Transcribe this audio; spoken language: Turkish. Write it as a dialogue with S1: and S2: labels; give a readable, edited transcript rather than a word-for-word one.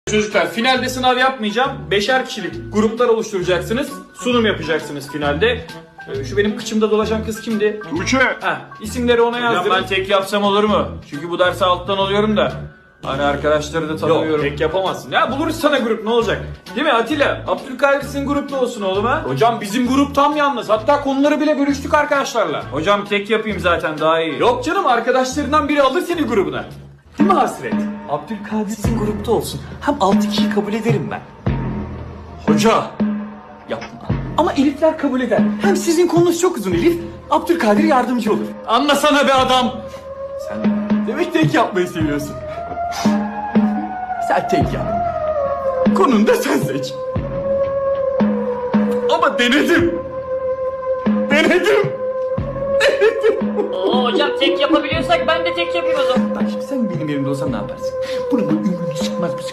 S1: Çocuklar finalde sınav yapmayacağım. 5'er kişilik gruplar oluşturacaksınız. Sunum yapacaksınız finalde. Şu benim kıçımda dolaşan kız kimdi?
S2: Tuğçe.
S1: İsimleri ona yazdırın.
S3: Ben tek yapsam olur mu? Çünkü bu dersi alttan alıyorum da. Hani arkadaşları da
S1: Yok
S3: tanıyorum.
S1: tek yapamazsın. Ya buluruz sana grup, ne olacak? Değil mi Atilla? Abdülkadir sizin grupta olsun oğlum ha. Hocam bizim grup tam yalnız. Hatta konuları bile bölüştük arkadaşlarla.
S3: Hocam tek yapayım zaten daha iyi.
S1: Yok canım, arkadaşlarından biri alır seni grubuna. Değil mi Hasret?
S4: Abdülkadir sizin grupta olsun. Hem 6 kişi kabul ederim ben.
S1: Hoca.
S4: Yapma. Ama Elifler kabul eder. Hem sizin konunuz çok uzun Elif. Abdülkadir yardımcı olur.
S1: Anlasana be adam.
S4: Sen demek tek yapmayı seviyorsun. Sen tek yap. Konunu da sen seç. Ama denedim.
S5: Oo hocam tek yapabiliyorsak ben de tek yapayım o zaman.
S4: Bak şimdi sen benim yerimde olsan ne yaparsın? Bunun ümrünü çıkmaz mısın?